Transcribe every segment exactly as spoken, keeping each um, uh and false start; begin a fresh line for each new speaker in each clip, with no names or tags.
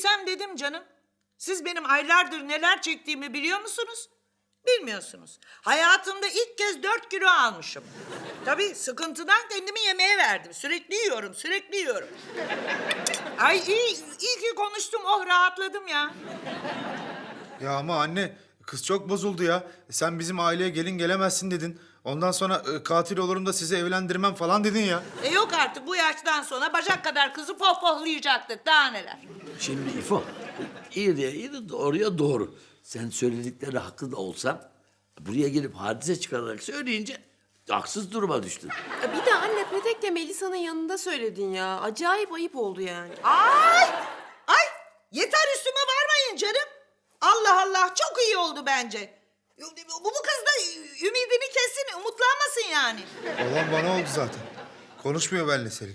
Dediysem dedim canım. Siz benim aylardır neler çektiğimi biliyor musunuz? Bilmiyorsunuz. Hayatımda ilk kez dört kilo almışım. Tabii sıkıntıdan kendimi yemeğe verdim. Sürekli yiyorum, sürekli yiyorum. Ay iyi, iyi ki konuştum. Oh rahatladım ya.
Ya ama anne, kız çok bozuldu ya. Sen bizim aileye gelin gelemezsin dedin. Ondan sonra e, katil olurum da sizi evlendirmem falan dedin ya.
E yok artık bu yaştan sonra bacak kadar kızı pohpohlayacaktık. Daha neler.
Şimdi İfo, iyi de iyi de doğruya doğru. Sen söyledikleri haklı da olsan buraya gelip hadise çıkararak söyleyince haksız duruma düştün.
Ya bir de anne Petek de Melisa'nın yanında söyledin ya. Acayip ayıp oldu yani.
Ay! Ay! Yeter üstüme varmayın canım. Allah Allah çok iyi oldu bence. Bu, bu kız da ümidini kessin, umutlanmasın yani.
Olan bana oldu zaten. Konuşmuyor benimle Selin.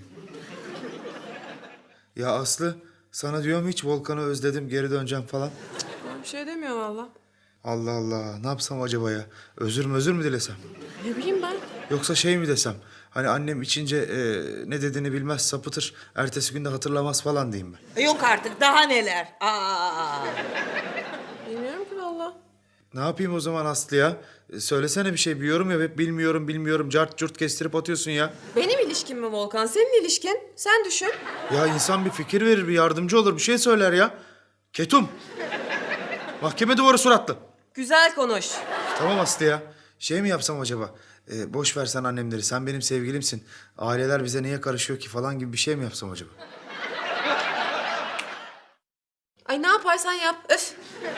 Ya Aslı, sana diyorum hiç Volkan'ı özledim, geri döneceğim falan.
Ben bir şey demiyor valla.
Allah Allah, ne yapsam acaba ya? Özür mü özür mü dilesem?
Ne bileyim ben.
Yoksa şey mi desem? Hani annem içince e, ne dediğini bilmez, sapıtır. Ertesi günde hatırlamaz falan diyeyim ben.
E yok artık daha neler. Aa!
Bilmiyorum ki valla.
Ne yapayım o zaman Aslı ya? E, söylesene bir şey, bir yorum yap. Hep bilmiyorum bilmiyorum cart curt kestirip atıyorsun ya.
Benim ilişkim mi Volkan? Senin ilişkin. Sen düşün.
Ya insan bir fikir verir, bir yardımcı olur, bir şey söyler ya. Ketum. Mahkeme duvarı suratlı.
Güzel konuş.
Tamam Aslı ya. Şey mi yapsam acaba? Ee, boş versen annemleri. Sen benim sevgilimsin. Aileler bize niye karışıyor ki falan gibi bir şey mi yapsam acaba?
Ay ne yaparsan yap. Öf.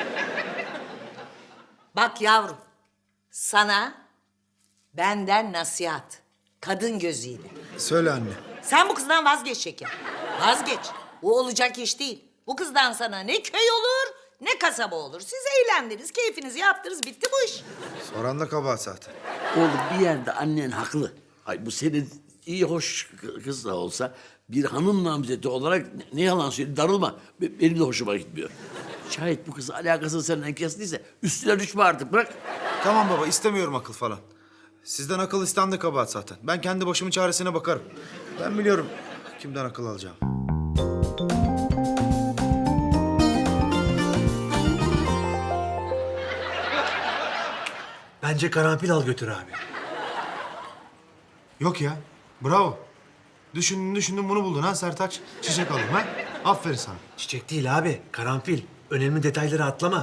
Bak yavrum, sana benden nasihat. Kadın gözüyle.
Söyle anne.
Sen bu kızdan vazgeç şeker. Vazgeç. Bu olacak iş değil. Bu kızdan sana ne köy olur ne kasaba olur. Siz eğlendiniz, keyfinizi yaptınız, bitti bu iş.
Soran da kabahat zaten.
Oğlum bir yerde annen haklı. Ay bu senin iyi hoş kız da olsa bir hanım namzeti olarak ne yalan söyleyeyim darılma. Be- Benim de hoşuma gitmiyor. Şayet bu kızın alakası senden kestiyse üstüne düşme artık bırak.
Tamam baba, istemiyorum akıl falan. Sizden akıl isten de kabahat zaten. Ben kendi başımın çaresine bakarım. Ben biliyorum kimden akıl alacağım.
Bence karanfil al götür abi.
Yok ya. Bravo. Düşündün düşündün bunu buldun ha Sertaç. Çiçek alayım ha. Aferin sana.
Çiçek değil abi, karanfil. Önemli detayları atlama.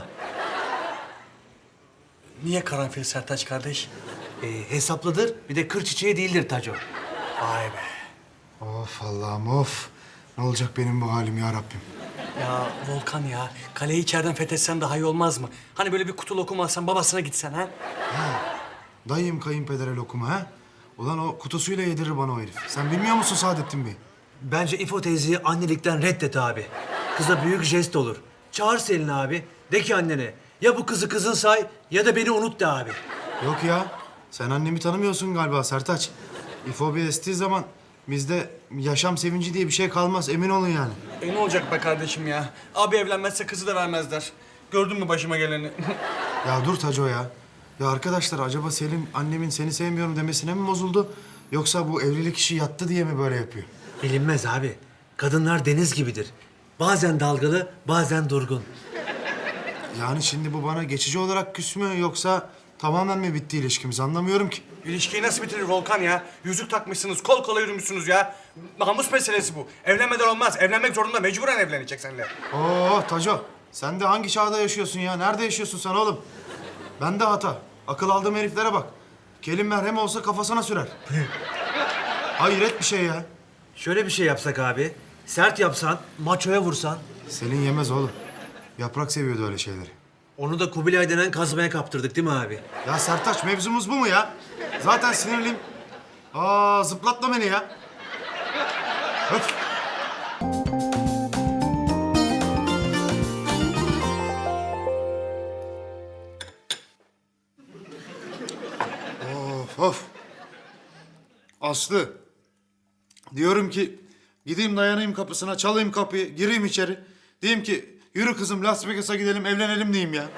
Niye karanfil Sertaç kardeş?
Ee, hesaplıdır, bir de kır çiçeği değildir Taco.
Vay be.
Of Allah'ım of. Ne olacak benim bu halim ya Rabbim.
Ya Volkan ya, kaleyi içeriden fethetsen daha iyi olmaz mı? Hani böyle bir kutu lokum alsan babasına gitsen ha?
Dayım kayınpedere lokumu ha? Ulan o kutusuyla yedirir bana o herif. Sen bilmiyor musun Saadettin Bey?
Bence İfo teyzeyi annelikten reddet abi. Kıza büyük jest olur. Çağır Selin abi, de ki annene. Ya bu kızı kızın say ya da beni unut de abi.
Yok ya. Sen annemi tanımıyorsun galiba Sertaç. İfo bir estiği zaman bizde yaşam sevinci diye bir şey kalmaz. Emin olun yani.
E ne olacak be kardeşim ya? Abi evlenmezse kızı da vermezler. Gördün mü başıma geleni?
Ya dur Taco ya. Ya arkadaşlar acaba Selin annemin seni sevmiyorum demesine mi bozuldu? Yoksa bu evlilik işi yattı diye mi böyle yapıyor?
Bilinmez abi. Kadınlar deniz gibidir. Bazen dalgalı, bazen durgun.
Yani şimdi bu bana geçici olarak küs mü yoksa tamamen mi bitti ilişkimiz anlamıyorum ki.
İlişkiyi nasıl bitirir Volkan ya? Yüzük takmışsınız, kol kola yürümüşsünüz ya. Namus meselesi bu. Evlenmeden olmaz. Evlenmek zorunda, mecburen evlenecek seninle.
Oo Taco, sen de hangi çağda yaşıyorsun ya? Nerede yaşıyorsun sen oğlum? Ben de hata. Akıl aldığım heriflere bak. Kelim merhem olsa kafasına sürer. Hayret bir şey ya.
Şöyle bir şey yapsak abi. Sert yapsan, maçoya vursan.
Selin yemez oğlum. Yaprak seviyordu öyle şeyleri.
Onu da Kubilay denen kazmaya kaptırdık değil mi abi?
Ya Sertaç mevzumuz bu mu ya? Zaten sinirliyim. Aa zıplatma beni ya. Öf. Of of. Aslı. Diyorum ki gideyim dayanayım kapısına, çalayım kapıyı, gireyim içeri. Diyeyim ki yürü kızım Las Vegas'a gidelim, evlenelim diyeyim ya.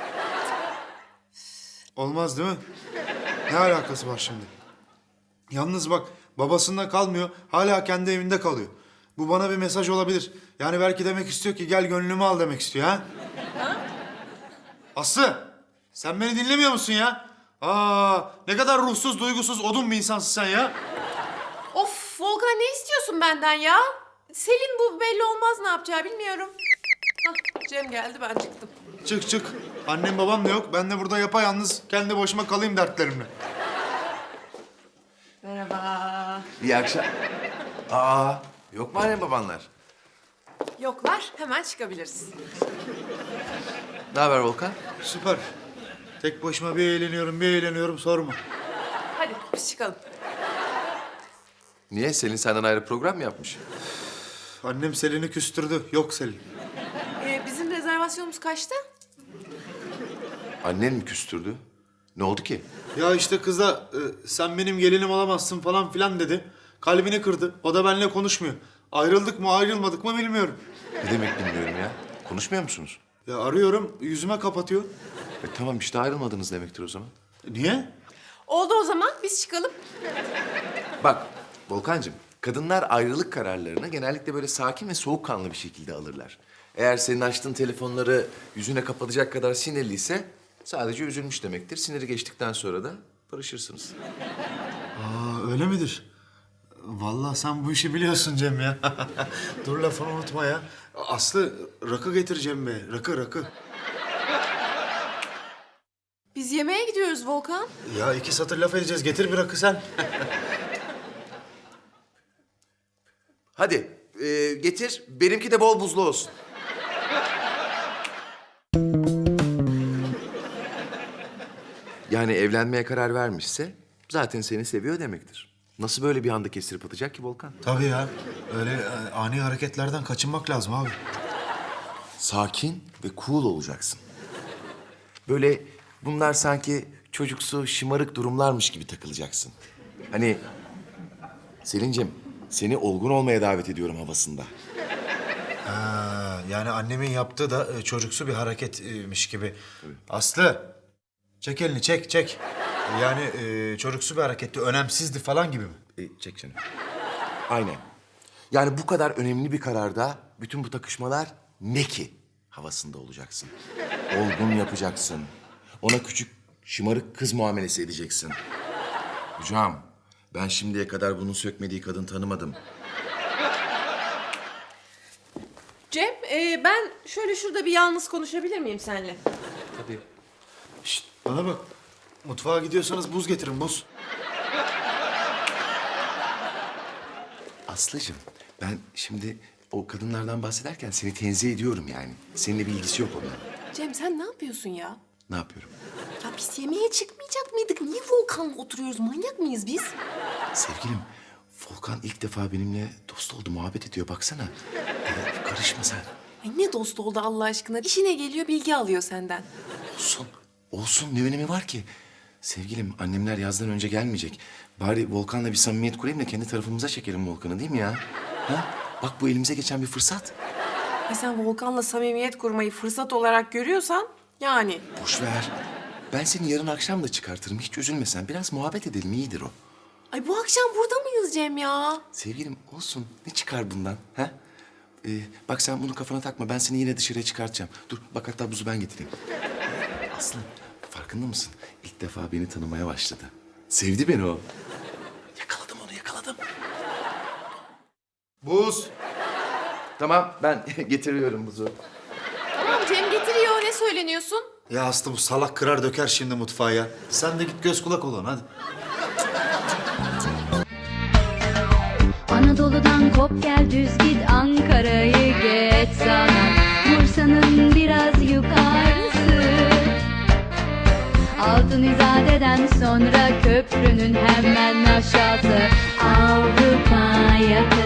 Olmaz değil mi? Ne alakası var şimdi? Yalnız bak babasında kalmıyor, hala kendi evinde kalıyor. Bu bana bir mesaj olabilir. Yani belki demek istiyor ki gel gönlümü al demek istiyor ha? Aslı, sen beni dinlemiyor musun ya? Aa, ne kadar ruhsuz, duygusuz, odun bir insansın sen ya.
Of Volkan, ne istiyorsun benden ya? Selin bu belli olmaz ne yapacağı bilmiyorum. Hah, Cem geldi, ben çıktım.
Çık çık. Annem babam da yok. Ben de burada yapayalnız kendi başıma kalayım dertlerimle.
Merhaba.
İyi akşam. Aa, yok mu anne babanlar?
Yoklar, hemen çıkabiliriz.
Ne haber Volkan?
Süper. Tek başıma bir eğleniyorum, bir eğleniyorum sorma.
Hadi biz çıkalım.
Niye? Selin senden ayrı program mı yapmış?
Annem Selin'i küstürdü. Yok Selin.
Ee, bizim rezervasyonumuz kaçta?
Annen mi küstürdü? Ne oldu ki?
Ya işte kız da e, sen benim gelinim olamazsın falan filan dedi. Kalbini kırdı. O da benimle konuşmuyor. Ayrıldık mı ayrılmadık mı bilmiyorum.
Ne demek bilmiyorum ya. Konuşmuyor musunuz?
Ya arıyorum yüzüme kapatıyor.
E tamam işte ayrılmadınız demektir o zaman.
Niye?
Oldu o zaman, biz çıkalım.
Bak Volkancığım, kadınlar ayrılık kararlarını genellikle böyle sakin ve soğukkanlı bir şekilde alırlar. Eğer senin açtığın telefonları yüzüne kapatacak kadar sinirliyse sadece üzülmüş demektir. Siniri geçtikten sonra da barışırsınız.
Aa öyle midir? Vallahi sen bu işi biliyorsun Cem ya. Dur lafını unutma ya. Aslı rakı getireceğim be. Rakı rakı.
Biz yemeğe gidiyoruz Volkan.
Ya iki satır laf edeceğiz. Getir bir rakı sen.
Hadi e, getir, benimki de bol buzlu olsun. Yani evlenmeye karar vermişse zaten seni seviyor demektir. Nasıl böyle bir anda kestirip atacak ki Volkan?
Tabii ya. Öyle e, ani hareketlerden kaçınmak lazım abi.
Sakin ve cool olacaksın. Böyle bunlar sanki çocuksu, şımarık durumlarmış gibi takılacaksın. Hani Selin'cim seni olgun olmaya davet ediyorum havasında.
Ha, yani annemin yaptığı da e, çocuksu bir hareketmiş gibi. Aslı, çek elini çek çek. Yani e, çocuksu bir hareketti, önemsizdi falan gibi mi?
E, çek canım. Aynen. Yani bu kadar önemli bir kararda bütün bu takışmalar ne ki havasında olacaksın. Olgun yapacaksın. Ona küçük şımarık kız muamelesi edeceksin. Hocam ben şimdiye kadar bunun sökmediği kadın tanımadım.
Cem, e, ben şöyle şurada bir yalnız konuşabilir miyim seninle?
Tabii.
Şişt, bana bak. Mutfağa gidiyorsanız buz getirin, buz.
Aslıcığım ben şimdi o kadınlardan bahsederken seni tenzih ediyorum yani. Seninle bir ilgisi yok onların.
Cem sen ne yapıyorsun ya?
Ne yapıyorum?
Ya biz yemeğe çıkmayacak mıydık? Niye Volkan'la oturuyoruz? Manyak mıyız biz?
Sevgilim, Volkan ilk defa benimle dost oldu, muhabbet ediyor. Baksana. Ee, karışma sen.
Ay ne dost oldu Allah aşkına. İşine geliyor, bilgi alıyor senden.
Olsun. Olsun. Ne önemi var ki? Sevgilim, annemler yazdan önce gelmeyecek. Bari Volkan'la bir samimiyet kurayım da kendi tarafımıza çekelim Volkan'ı değil mi ya? Ha? Bak bu elimize geçen bir fırsat.
Ay sen Volkan'la samimiyet kurmayı fırsat olarak görüyorsan yani.
Boş ver. Ben seni yarın akşam da çıkartırım. Hiç üzülme sen. Biraz muhabbet edelim. İyidir o.
Ay bu akşam burada mıyız Cem ya?
Sevgilim olsun. Ne çıkar bundan? Ha? Ee, bak sen bunu kafana takma. Ben seni yine dışarıya çıkartacağım. Dur bak hatta buzu ben getireyim. Aslı farkında mısın? İlk defa beni tanımaya başladı. Sevdi beni o. Yakaladım onu yakaladım.
Buz.
Tamam ben getiriyorum buzu.
Tamam Cem getiriyor. Ne söyleniyorsun?
Ya Aslı bu salak kırar döker şimdi mutfağa ya. Sen de git göz kulak ol ona, hadi.
Anadolu'dan kop gel düz git Ankara'yı geç sana Bursa'nın biraz yukarısı Altın İzade'den sonra köprünün hemen aşağısı Avrupa yakası